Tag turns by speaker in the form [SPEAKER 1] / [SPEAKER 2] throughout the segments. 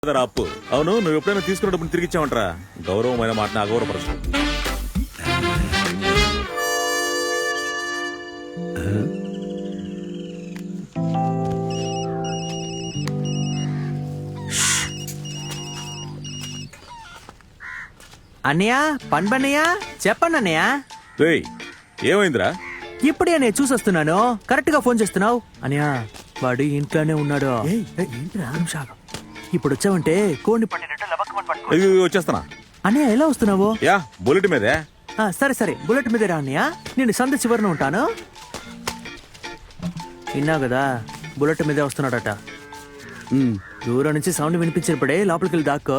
[SPEAKER 1] అప్పు. అవును, నువ్వు ఎప్పుడైనా తీసుకున్న డబ్బులు తిరిగి ఇచ్చావంటరా? గౌరవమైన మాటని అగౌరవపరచు.
[SPEAKER 2] అన్నయ్య పన్బన్నయ్య చెప్పండి అన్నయ్య.
[SPEAKER 1] రేయ్, ఏమైందిరా?
[SPEAKER 2] ఇప్పుడే నేను చూసొస్తున్నాను, కరెక్ట్ గా ఫోన్ చేస్తున్నావు. అన్నయ్య వాడు ఇంట్లోనే ఉన్నాడు. ఇప్పుడు వచ్చావంటే కోడిని పట్టినట్టు లబక్కమని పట్టుకో.
[SPEAKER 1] వచ్చేస్తానా?
[SPEAKER 2] అన్నయ్య ఎలా వస్తున్నావు?
[SPEAKER 1] యా, బుల్లెట్ మీదే.
[SPEAKER 2] సరే సరే, బుల్లెట్ మీదే రా అన్నయ్య. నేను సంద చివరిన ఉంటాను. విన్నావు కదా, బుల్లెట్ మీదే వస్తున్నాడట. దూరం నుంచి సౌండ్ వినిపించినప్పుడే లోపలికి వెళ్ళి దాక్కో.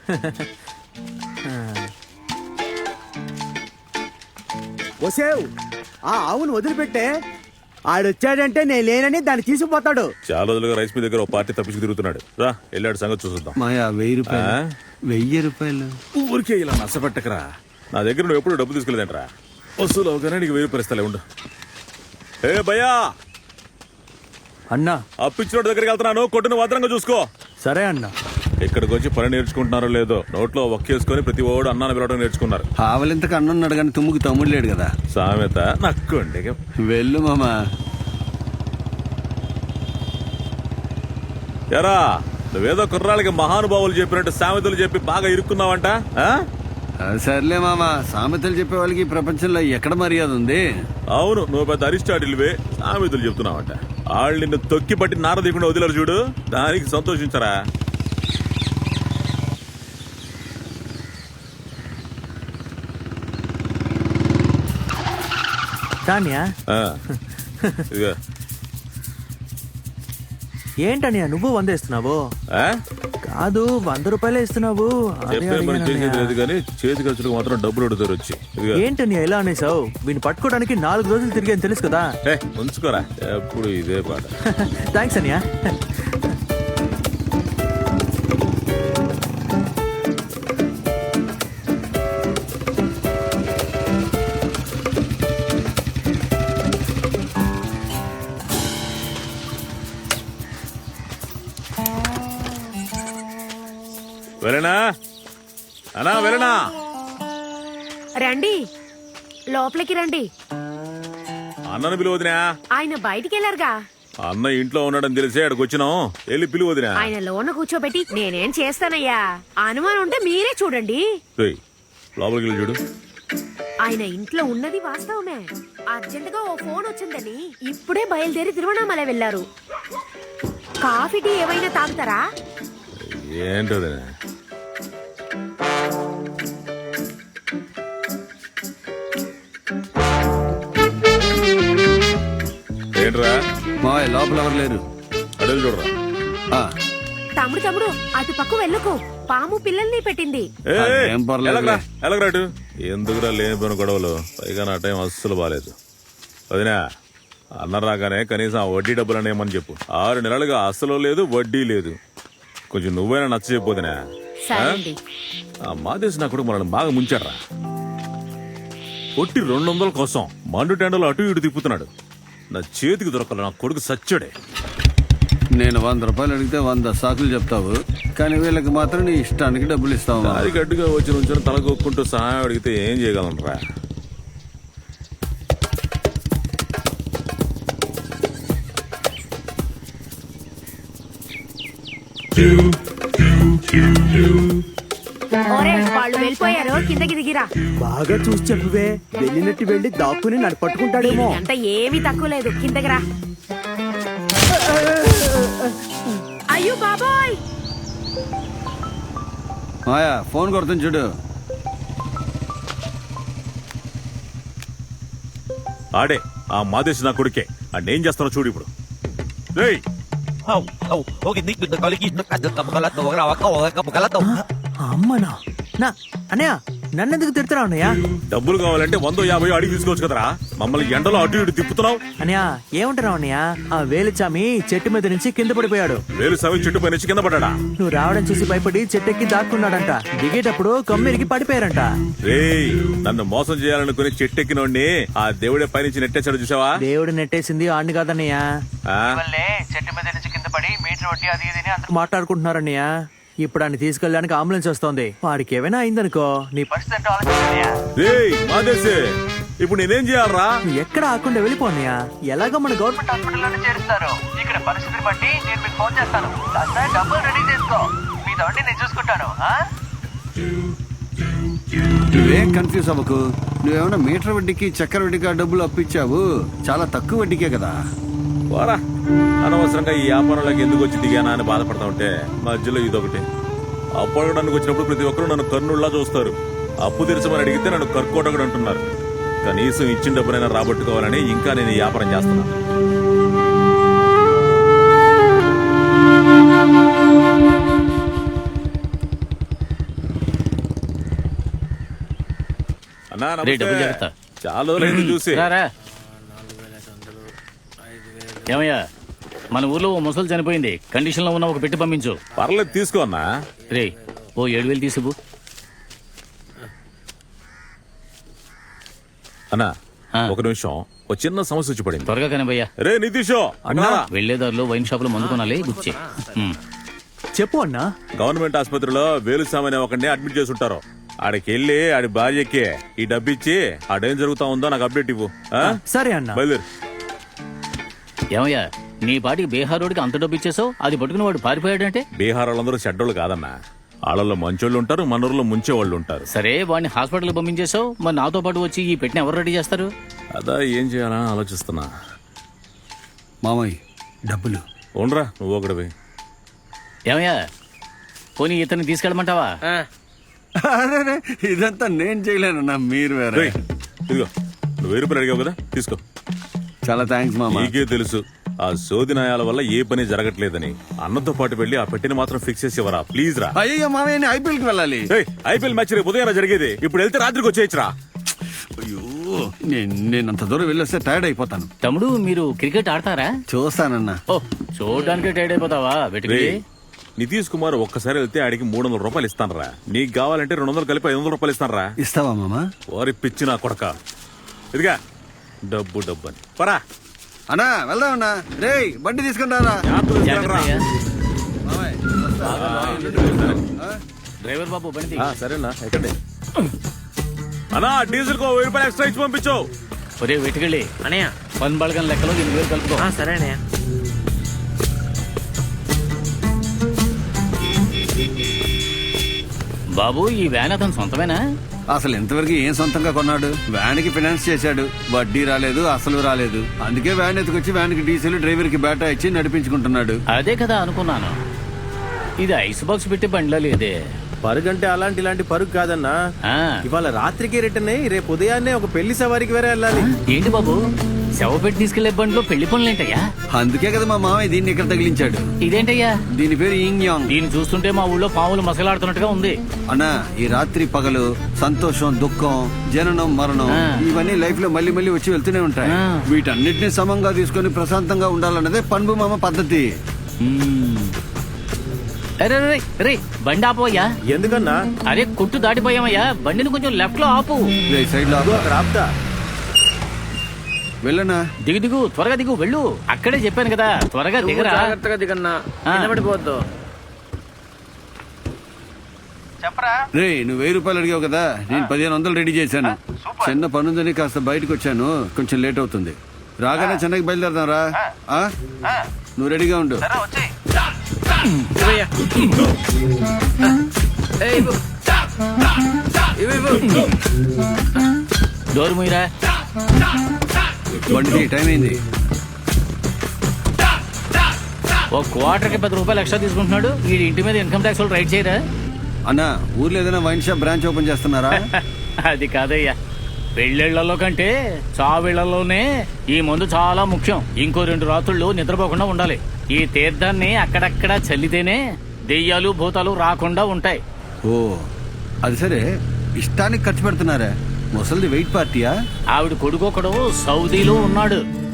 [SPEAKER 3] వసేవ్, ఆ ఆవును వదిలిపెట్టే. ఆడొచ్చాడంటే నేను లేనని దాన్ని తీసుకుపోతాడు.
[SPEAKER 1] చాలా రోజులుగా రైస్ మీ దగ్గర ఓ పార్టీ తప్పించి తిరుగుతున్నాడు. రా, వెళ్ళాడు సంగతి చూసుద్దాం.
[SPEAKER 3] మాయా 1000 రూపాయలు. 1000 రూపాయలు
[SPEAKER 1] ఊరికే ఇలా నష్టపెట్టకరా. నా దగ్గర నువ్వు ఎప్పుడు డబ్బు తీసుకెళ్ళదేంట్రా? వసూలు అవగానే నీకు 1000 రూపాయలు ఇస్తాలే, ఉండు. ఏ భయ్యా,
[SPEAKER 2] అన్నా
[SPEAKER 1] అప్పిచ్చినోడి దగ్గరికి వెళ్తున్నాను, కొట్టును భద్రంగా చూసుకో.
[SPEAKER 2] సరే అన్నా.
[SPEAKER 1] ఇక్కడికి వచ్చి పని నేర్చుకుంటున్నారో లేదో, నోట్లో ఒక్కేసుకొని ప్రతి ఓడు అన్నాన్ని పిలవడం నేర్చుకున్నారు.
[SPEAKER 3] ఆవలింతకు అన్నున్నాడు కానీ తుమ్ముకి తమ్ముడు లేడు కదా.
[SPEAKER 1] సామెత నక్కండి.
[SPEAKER 3] వెళ్ళు మామా.
[SPEAKER 1] ఎరా, నువ్వేదో కుర్రాళ్ళకి మహానుభావులు చెప్పినట్టు సామెతలు చెప్పి బాగా ఇరుక్కున్నావంట.
[SPEAKER 3] సర్లే మామా, సామెతలు చెప్పే వాళ్ళకి ఈ ప్రపంచంలో ఎక్కడ మర్యాద ఉంది?
[SPEAKER 1] అవును, నువ్వు పెద్ద అరిస్టాటిల్వే, సామెతలు చెప్తున్నావంట. వాళ్ళు నిన్ను తొక్కి పట్టి నారదీయకుండా వదిలేరు చూడు, దానికి సంతోషించరా. ఇదిగో.
[SPEAKER 2] ఏంటన్నయ్య నువ్వు 100 ఇస్తున్నావు? కాదు, 100 రూపాయలే ఇస్తున్నావు.
[SPEAKER 1] చెప్పే పని చేసేది లేదు కానీ చేతి ఖర్చులకు మాత్రం డబ్బులు అడుగుతారు వచ్చి.
[SPEAKER 2] ఏంటన్నయ్య ఎలా అనేసావు? వీడిని పట్టుకోవడానికి 4 రోజులు తిరిగాను తెలుసు కదా.
[SPEAKER 1] ఉంచుకోరా, ఎప్పుడు ఇదే పాట.
[SPEAKER 2] థ్యాంక్స్ అన్నయ్య.
[SPEAKER 1] వెళ్ళనా అనా, వెళ్ళనా?
[SPEAKER 4] రండి, లోపలికి రండి.
[SPEAKER 1] అన్నను పిలువదినా?
[SPEAKER 4] ఆయన బయటికి వెళ్ళారుగా.
[SPEAKER 1] అన్న ఇంట్లో ఉన్నాడని తెలిసే అక్కడికి వచ్చినాం. వెళ్ళి పిలువదినా?
[SPEAKER 4] ఆయన లోన కూర్చోబెట్టి నేనేం చేస్తానయ్యా? అనుమానం ఉంటే మీరే చూడండి.
[SPEAKER 1] లోపలికి వెళ్ళి చూడు.
[SPEAKER 4] ఆయన ఇంట్లో ఉన్నది వాస్తవమే. అర్జెంటుగా ఓ ఫోన్ వచ్చిందని ఇప్పుడే బయలుదేరి తిరువణామలై వెళ్లారు. కాఫీ టీ ఏమైనా తాగుతారా?
[SPEAKER 1] ఏంటది? ఏంట్రా?
[SPEAKER 3] మా లోపల ఎవరు లేరు.
[SPEAKER 1] అడవి చూడరా.
[SPEAKER 4] తమ్ముడు అటు పక్క వెళ్ళకు, పాము పిల్లల్ని పెట్టింది.
[SPEAKER 1] ఎలాగరాటు? ఎందుకురా లేనిపోయిన గొడవలు? పైగా నా టైం అస్సలు బాలేదు. వదినా, అన్న రాగానే కనీసం ఆ వడ్డీ డబ్బులు అనేమని చెప్పు. 6 నెలలుగా అస్సలు లేదు, వడ్డీ లేదు. కొంచెం నువ్వైనా నచ్చ చెప్పొదినా? మాదేశ్ నా కొడుకు మనల్ని బాగా ముంచాడ్రా. కొట్టి 200 కోసం మండు టెండలు అటు ఇటు తిప్పుతున్నాడు. నా చేతికి దొరకల, నా కొడుకు సచ్చాడే.
[SPEAKER 3] నేను 100 రూపాయలు అడిగితే 100 సాకులు చెప్తావు, కానీ వీళ్ళకి మాత్రం నీ ఇష్టానికి డబ్బులు ఇస్తావు.
[SPEAKER 1] అది గడ్డుగా వచ్చి నుంచొని తలకొక్కుంటూ సహాయం అడిగితే ఏం చేయగలనరా?
[SPEAKER 4] వాళ్ళు వెళ్ళిపోయారు, కిందకి దిగిరా.
[SPEAKER 3] బాగా చూసి చెప్పువే, వెళ్ళినట్టు వెళ్ళి దాక్కుని నన్ను పట్టుకుంటాడేమో.
[SPEAKER 4] అంత ఏమీ తక్కువ లేదు, కిందకి రా. అయ్యో బాబాయ్,
[SPEAKER 3] మాయా ఫోన్ కొడుతుంది చూడు.
[SPEAKER 1] ఆడే ఆ మాదేశ్ నా కొడుకే. ఏం చేస్తానో చూడు ఇప్పుడు.
[SPEAKER 2] అమ్మనా నా అన్నయ్య, నన్నెందుకు తిడుతున్నావు అన్నయ్య?
[SPEAKER 1] డబ్బులు కావాలంటే 150 అడిగి తీసుకోవచ్చు కదరా. మమ్మల్ని ఎండలో అటు ఇటు తిప్పుతున్నావు.
[SPEAKER 2] అన్నయ్య ఏమంటున్నావు అన్నయ్య? ఆ వేలుచామి చెట్టు మీద నుంచి కింద పడిపోయాడు.
[SPEAKER 1] వేలుచామి చెట్టు పై నుంచి కింద పడ్డా?
[SPEAKER 2] నువ్వు రావడం చూసి భయపడి చెట్టెక్కి దాక్కున్నాడంట. దిగేటప్పుడు కమ్మిరికి పడిపోయారంట.
[SPEAKER 1] నన్ను మోసం చేయాలనుకుని చెట్టెక్కినోడిని ఆ దేవుడే పైనుంచి నెట్టేశాడు చూసావా?
[SPEAKER 2] దేవుడు నెట్టేసింది ఆడిని కాదన్నయ్య. చెట్టు మీద నుంచి కింద పడి మీటర్ వడ్డీ అది ఇది అని అందరూ మాట్లాడుకుంటున్నారన్నయ్య. ఇప్పుడు ఆయన తీసుకెళ్ళడానికి అంబులెన్స్ వస్తోంది. వాడికి ఏమైనా అయిందనుకో నీ పరిస్థితి ఏంటో ఆలోచించన్నయ్య.
[SPEAKER 1] రేయ్ మాదేశే, ఇప్పుడు నేనేం చేయాలరా?
[SPEAKER 2] నువ్వు ఎక్కడ ఆకుండా వెళ్ళిపోన్నయ్యా. ఎలాగో మన గవర్నమెంట్ హాస్పిటల్లోనే చేరుస్తారు. ఇక్కడ పరిస్థితిని బట్టి నేను మీకు ఫోన్ చేస్తాను. కాస్త డబ్బులు రెడీ చేసుకో. మీ తోటి నేను చూసుకుంటాను.
[SPEAKER 3] నువ్వేం కన్ఫ్యూజ్ అవ్వకు. నువ్వేమన్నా మీటర్ వడ్డీకి చక్కెర వడ్డీకి డబ్బులు అప్పిచ్చావు. చాలా తక్కువ వడ్డీకే కదా.
[SPEAKER 1] పోరా, అనవసరంగా ఈ వ్యాపారంలోకి ఎందుకు వచ్చి దిగానా అని బాధపడతా ఉంటే మధ్యలో ఇదొకటి. అప్పు అడగడానికి వచ్చినప్పుడు ప్రతి ఒక్కరు నన్ను కర్నుల్లా చూస్తారు. అప్పు తీర్చమని అడిగితే నన్ను కర్కోటకుడు అంటున్నారు. కనీసం ఇచ్చిన డబ్బునైనా రాబట్టుకోవాలని ఇంకా నేను ఈ వ్యాపారం చేస్తున్నాను. అన్నా
[SPEAKER 5] రే, డబ్బులు
[SPEAKER 1] నమస్తే.
[SPEAKER 5] జాగ్రత్త.
[SPEAKER 1] చాలా రోజులైంది చూసి.
[SPEAKER 5] రారా. ఏమయ్యా, మన ఊర్లో ఓ ముసలు చనిపోయింది. కండిషన్ లో ఉన్న ఒక పెట్టి పంపించు.
[SPEAKER 1] పర్లేదు తీసుకో అన్నా.
[SPEAKER 5] రే, ఓ 7,000 తీసుకు.
[SPEAKER 1] అన్నా
[SPEAKER 5] ఆ.
[SPEAKER 1] ఒక నిమిషం, ఒక చిన్న సమస్య వచ్చి పడింది.
[SPEAKER 5] త్వరగా కనిపయ్యా.
[SPEAKER 1] రే నితీషో అన్నా,
[SPEAKER 5] వెళ్లేదారిలో వైన్ షాప్ లో మందు కొనాలి, గుర్చే.
[SPEAKER 2] చెప్పు అన్నా.
[SPEAKER 1] గవర్నమెంట్ ఆసుపత్రిలో వేలుసామని ఒకరిని అడ్మిట్ చేసి ఉంటారు. ఆడికి వెళ్ళి ఆడి భార్యకి ఈ డబ్బు ఇచ్చి ఆడేం జరుగుతా ఉందో నాకు అప్డేట్ ఇవ్వు. ఆ?
[SPEAKER 2] సరే అన్నా.
[SPEAKER 1] బయలుదేరు.
[SPEAKER 5] ఏమయ్యా, నీ పాటికి బీహార్ రోడ్కి అంత డబ్బు ఇచ్చేసావు. అది పట్టుకుని వాడు పారిపోయాడంటే?
[SPEAKER 1] బీహార్ వాళ్ళందరూ చెడ్డోళ్ళు కాదన్నా. వాళ్ళలో మంచోళ్ళు ఉంటారు, మనూరులో ముంచేవాళ్ళు ఉంటారు.
[SPEAKER 5] సరే, వాడిని హాస్పిటల్ పంపించేసావు. మరి నాతో పాటు వచ్చి ఈ పెట్టిన ఎవరు రెడీ చేస్తారు?
[SPEAKER 1] అదా ఏం చేయాలని ఆలోచిస్తున్నా.
[SPEAKER 3] మామయ్య డబ్బులు
[SPEAKER 1] ఉండరా నువ్వు ఒకటివి.
[SPEAKER 5] ఏమయ్యా, పోనీ ఇతన్ని తీసుకెళ్ళమంటావా?
[SPEAKER 3] అరే, ఇదంతా నేను చేయలేనన్నా, మీరు వేరే.
[SPEAKER 1] రేయ్, ఇదిగో నువ్వు 1000 రూపాయలు అడిగావు కదా, తీసుకో.
[SPEAKER 3] చాలా థ్యాంక్స్ మామ.
[SPEAKER 1] నీకే తెలుసు ఆ సోది న్యాయాల వల్ల ఏ పని జరగట్లేదని. అన్నతో పాటు వెళ్ళి ఆ పెట్టిని మాత్రం ఫిక్స్ చేసి ఇవ్వరా ప్లీజ్ రా.
[SPEAKER 3] అయ్యో మామయ్య, ఐపీఎల్కి వెళ్ళాలి.
[SPEAKER 1] ఐపీఎల్ మ్యాచ్ రేపు ఉదయం జరిగేది. ఇప్పుడు వెళ్తే రాత్రికి వచ్చేయచ్చురా.
[SPEAKER 3] అయ్యో, నేనంత దూరం వెళ్ళొస్తే టైర్డ్ అయిపోతాను.
[SPEAKER 5] తమ్ముడు, మీరు క్రికెట్ ఆడతారా?
[SPEAKER 3] చూస్తానన్నా.
[SPEAKER 5] ఓ, చూడడానికి టైర్డ్ అయిపోతావా? వెటికి
[SPEAKER 1] నితీష్ కుమార్ ఒక్కసారి వెళ్తే ఆడికి 300 రూపాయలు ఇస్తానరా. నీకు కావాలంటే 200 కలిపి 500 రూపాయలు ఇస్తానరా.
[SPEAKER 3] ఇస్తావా మామ?
[SPEAKER 1] వారి పిచ్చి నా కొడక. ఇదిగా డబ్బు డబ్బు అని పరా.
[SPEAKER 3] అన్నా వెళ్దామన్నా. రే, బండి తీసుకుని రారా.
[SPEAKER 5] జాగ్రత్త అయ్యా.
[SPEAKER 3] మామయ్య,
[SPEAKER 5] డ్రైవర్ బాబు బండి
[SPEAKER 1] సరేనా ఎక్కండి. అన్నా డీజిల్ కు 1000 రూపాయలు ఎక్స్ట్రా ఇచ్చి పంపించు.
[SPEAKER 5] ఒరే వెటికెళ్ళి
[SPEAKER 2] అనయ్య.
[SPEAKER 5] పని బళగం లెక్కలో 8,000 కలుపుకో.
[SPEAKER 2] సరే అన్నయ్య.
[SPEAKER 5] బాబు, ఈ వ్యాన్ అతను సొంతమేనా?
[SPEAKER 3] అసలు ఇంతవరకు ఏం సొంతంగా కొన్నాడు? వ్యాన్ కి ఫైనాన్స్ చేశాడు. వడ్డీ రాలేదు, అసలు రాలేదు. అందుకే వ్యాన్ ఎత్తుకొచ్చి వ్యాన్ కి డీజిల్, డ్రైవర్ కి బేటా ఇచ్చి నడిపించుకుంటున్నాడు.
[SPEAKER 5] అదే కదా అనుకున్నాను. ఇది ఐస్ బాక్స్ పెట్టి బండిలో లేదే.
[SPEAKER 2] పరుగంటే ఇలాంటి పరుగు కాదన్నా.
[SPEAKER 5] ఆ,
[SPEAKER 2] ఇవాళ రాత్రికి రిటర్న్ అయ్యి రేపు ఉదయాన్నే ఒక పెళ్లి సవారికి వేరే వెళ్ళాలి.
[SPEAKER 5] ఏంటి బాబు, శవ పెట్టి తీసుకెళ్లే బండిలో పెళ్లి పనులేంటయ్యా?
[SPEAKER 3] అందుకే కదా మా మామయ్య దీన్ని ఇక్కడ తగిలించాడు.
[SPEAKER 5] ఇదేంటయ్యా?
[SPEAKER 3] దీని పేరు యింగ్ యాంగ్.
[SPEAKER 5] దీన్ని చూస్తుంటే మా ఊళ్ళో పాములు మసలాడుతున్నట్టుగా ఉంది.
[SPEAKER 3] అన్నా, ఈ రాత్రి పగలు సంతోషం, దుఃఖం, జననం, మరణం
[SPEAKER 5] ఆ.
[SPEAKER 3] ఇవన్నీ లైఫ్ లో మళ్ళీ మళ్ళీ వచ్చి వెళ్తూనే ఉంటాయి.
[SPEAKER 5] ఆ.
[SPEAKER 3] వీటన్నిటిని సమంగా తీసుకొని ప్రశాంతంగా ఉండాలన్నదే పన్బు మామ పద్ధతి.
[SPEAKER 5] అరే రే రే, బండి ఆపోయ్యా.
[SPEAKER 2] ఎందుకన్నా?
[SPEAKER 5] అరే, కొట్టు దాటిపోయామయ్యా. బండిని కొంచెం లెఫ్ట్ లో ఆపు.
[SPEAKER 3] సైడ్ లో
[SPEAKER 2] అక్కడ ఆపుతా.
[SPEAKER 3] వెళ్ళనా?
[SPEAKER 5] దిగు దిగు, త్వరగా దిగు, వెళ్ళు. అక్కడే చెప్పాను కదా, త్వరగా దిగరా.
[SPEAKER 2] జాగ్రత్తగా దిగన్నా. నిలబడిపోవద్దు. చెప్పరా.
[SPEAKER 3] రే, నువ్వు 1000 రూపాయలు అడిగావు కదా, నేను 1500 రెడీ చేశాను. చిన్న పనుందని కాస్త బయటకు వచ్చాను, కొంచెం లేట్ అవుతుంది. రాగానే చెన్నైకి బయలుదేరదాం రా. నువ్వు రెడీగా ఉండు.
[SPEAKER 5] డోర్ మూయరా.
[SPEAKER 3] బండి టైం అయింది.
[SPEAKER 5] ఓ క్వార్టర్కి 10 రూపాయలు ఎక్స్ట్రా తీసుకుంటున్నాడు. ఈ ఇంటి మీద ఇన్కమ్ ట్యాక్స్ వాళ్ళు రైడ్ చేయరా?
[SPEAKER 3] అన్నా, ఊర్లో ఏదైనా వైన్ షాప్ బ్రాంచ్ ఓపెన్ చేస్తున్నారా?
[SPEAKER 5] అది కాదయ్యా, పెళ్ళిళ్లలో కంటే చావిళ్లలోనే ఈ మందు చాలా ముఖ్యం. ఇంకో 2 రాత్రుళ్ళు నిద్రపోకుండా ఉండాలి. ఈ తీర్థాన్ని అక్కడక్కడ చల్లితేనే దెయ్యాలు భూతాలు రాకుండా ఉంటాయి.
[SPEAKER 3] ఓ, అది సరే. ఇష్టానికి ఖర్చు పెడుతున్నారా? ముసలిది వెయిట్ పార్టీయా?
[SPEAKER 5] ఆవిడ కొడుకొకడు సౌదీలో ఉన్నాడు.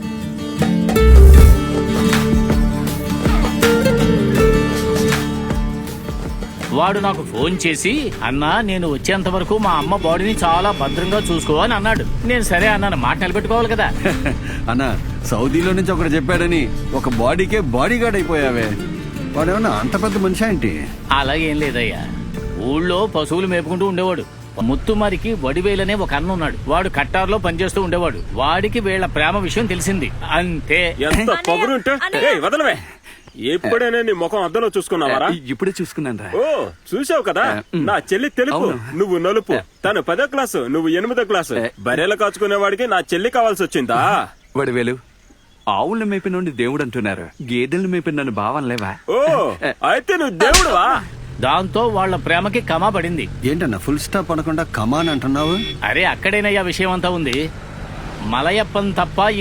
[SPEAKER 5] వాడు నాకు ఫోన్ చేసి, అన్నా నేను వచ్చేంత వరకు మా అమ్మ బాడీని చాలా భద్రంగా చూసుకో అని అన్నాడు. నేను సరే అన్నాను, మాట నిలబెట్టుకోవాలి కదా.
[SPEAKER 3] అన్నా, సౌదీలో నుంచి ఒకడు చెప్పాడని ఒక బాడీకే బాడీ గార్డ్ అయిపోయావే. వాడేమన్నా అంత పెద్ద మనిషి ఏంటి?
[SPEAKER 5] అలాగేం లేదయ్యా. ఊళ్ళో పశువులు మేపుకుంటూ ఉండేవాడు. ముత్తుమారికి వడివేలనే ఒక అన్న ఉన్నాడు. వాడు కట్టార్లో పనిచేస్తూ ఉండేవాడు. వాడికి వీళ్ళ ప్రేమ విషయం తెలిసింది అంతే.
[SPEAKER 6] ఎంత పొగరుంటే ఏయ్ వదలవే. ఎప్పుడైనా నీ ముఖం అద్దంలో చూసుకున్నావారా?
[SPEAKER 7] ఇప్పుడే చూసుకున్నాను రా.
[SPEAKER 6] ఓ చూసావు కదా, నా చెల్లి తెలుపు, నువ్వు నలుపు. తను 10వ క్లాసు, నువ్వు 8వ క్లాసు. బర్రెలు కాచుకునేవాడికి నా చెల్లి కావాల్సి వచ్చిందా?
[SPEAKER 7] వడివేలు, ఆవులను మేపి నుండి దేవుడు అంటున్నారు, గేదెలను మేపి నన్ను భావనలేవా?
[SPEAKER 6] ఓ అయితే నువ్వు దేవుడువా?
[SPEAKER 5] దాంతో వాళ్ళ ప్రేమకి కమా పడింది.
[SPEAKER 3] ఏంటన్నా ఫుల్ స్టాప్ అనకుండా కమాన్ అంటున్నావు?
[SPEAKER 5] అరే అక్కడేనయ్యా విషయం అంతా ఉంది. మలయప్పన్ తప్ప